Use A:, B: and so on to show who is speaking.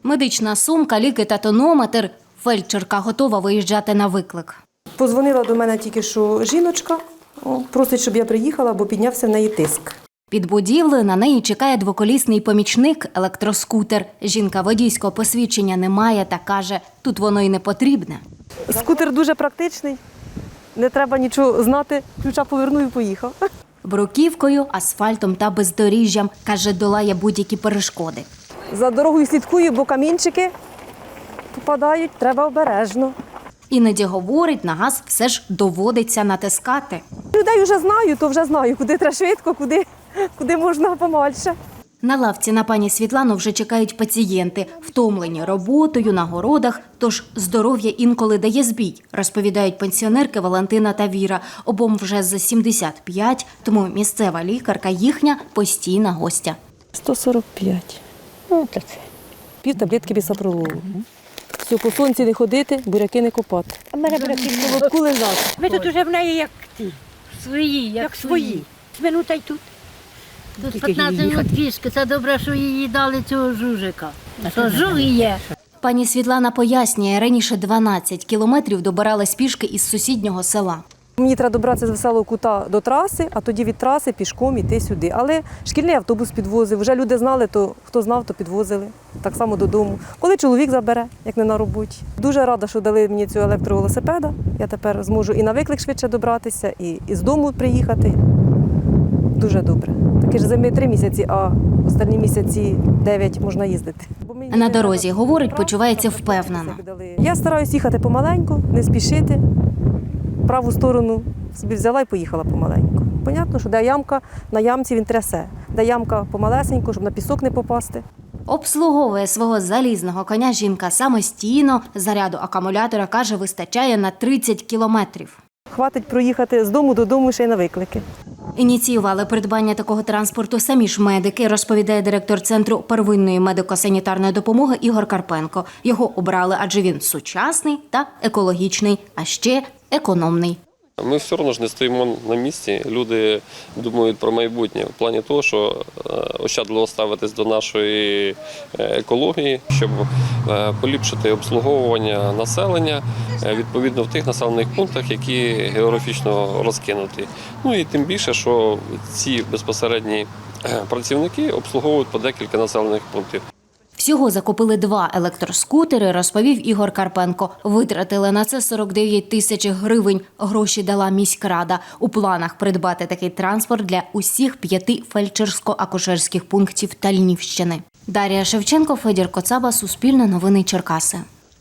A: Медична сумка, ліки та тонометр. Фельдшерка готова виїжджати на виклик.
B: Позвонила до мене тільки що жіночка, просить, щоб я приїхала, бо піднявся в неї тиск.
A: Під будівлею на неї чекає двоколісний помічник – електроскутер. Жінка водійського посвідчення не має та каже, тут воно й не потрібне.
B: Скутер дуже практичний, не треба нічого знати, ключа повернув і поїхав.
A: Бруківкою, асфальтом та бездоріжжям, каже, долає будь-які перешкоди.
B: За дорогою слідкую, бо камінчики попадають, треба обережно.
A: Іноді говорить, на газ все ж доводиться натискати.
B: Людей вже знаю, то вже знаю, куди треба швидко, куди можна помальше.
A: На лавці на пані Світлану вже чекають пацієнти, втомлені роботою, на городах, тож здоров'я інколи дає збій, розповідають пенсіонерки Валентина та Віра. Обом вже за 75, тому місцева лікарка їхня постійна гостя.
B: 145. Ну, це. Пів таблетки бісопрололу. Все, по сонці не ходити, буряки не копати.
C: А мене буряки
B: В колобку лежати.
C: ви тут уже в неї як ті,
D: Свої,
C: як свої. Минута й тут.
D: Тут 15 минут пішки. Це добре, що їй дали цього жужика. Що жуг є.
A: Пані Світлана пояснює, раніше 12 кілометрів добиралась пішки із сусіднього села.
B: Мені треба добратися з Веселого Кута до траси, а тоді від траси пішком іти сюди. Але шкільний автобус підвозив. Вже люди знали, то хто знав, то підвозили. Так само додому. Коли чоловік забере, як не на роботі. Дуже рада, що дали мені цього електровелосипеда. Я тепер зможу і на виклик швидше добратися, і з дому приїхати. Дуже добре. Такі ж зими 3 місяці, а останні місяці 9 можна їздити.
A: На дорозі, говорить, почувається впевнено.
B: Я стараюсь їхати помаленьку, не спішити. Праву сторону собі взяла і поїхала помаленьку. Понятно, що де ямка, на ямці він трясе. Де ямка помалесенько, щоб на пісок не попасти.
A: Обслуговує свого залізного коня жінка самостійно. Заряду акумулятора, каже, вистачає на 30 кілометрів.
B: Хватить проїхати з дому додому ще й на виклики.
A: Ініціювали придбання такого транспорту самі ж медики, розповідає директор Центру первинної медико-санітарної допомоги Ігор Карпенко. Його обрали, адже він сучасний та екологічний, а ще економний.
E: Ми все одно ж не стоїмо на місці. Люди думають про майбутнє в плані того, що ощадливо ставитись до нашої екології, щоб поліпшити обслуговування населення відповідно в тих населених пунктах, які географічно розкинуті. Ну і тим більше, що ці безпосередні працівники обслуговують по декілька населених пунктів.
A: Всього закупили 2 електроскутери, розповів Ігор Карпенко. Витратили на це 49 тисяч гривень. Гроші дала міськрада. У планах придбати такий транспорт для усіх 5 фельдшерсько-акушерських пунктів Тальнівщини. Дар'я Шевченко, Федір Коцаба, Суспільне новини Черкаси.